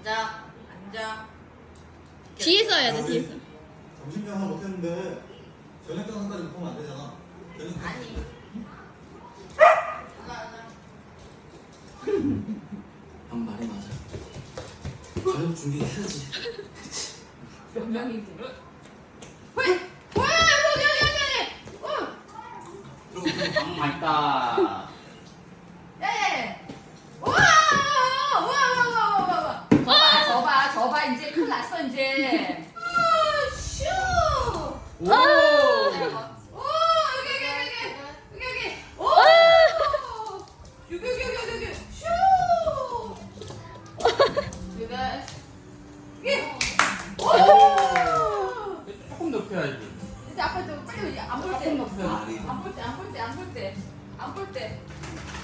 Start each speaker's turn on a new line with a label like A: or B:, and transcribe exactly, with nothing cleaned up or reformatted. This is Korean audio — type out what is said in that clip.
A: 앉아. 앉아.
B: 뒤에서 해야 돼, 뒤에서.
C: 점심 장사 못했는데 저녁 장사까지 보면 안 되잖아. 저녁
A: 아니. 앉아, 앉아.
D: 형 말이 맞아. 저녁 준비해야지.
A: 몇 명이지? 왜? 왜? 여기, 여기, 여기, 여기. 어.
D: 그럼 방 맛있다.
A: 예. 우와! 우와, 우와, 우와, 우와, 우와. 저봐, 저봐, 저봐. 이제 큰일 났어, 이제. 아, 슈!
D: 오.
A: 오, 여기, 여기, 여기, 여기, 여기, 여기. 오! 여기, 여기, 여기, 여기, 여기. 슈! 여기. 여기. 오!
D: 조금 높여야지.
A: 이제 아빠 좀 빨리 안 볼 때.
D: 조금 높여야지.
A: 안 볼 때, 안 볼 때, 안 볼 때. 안 볼 때.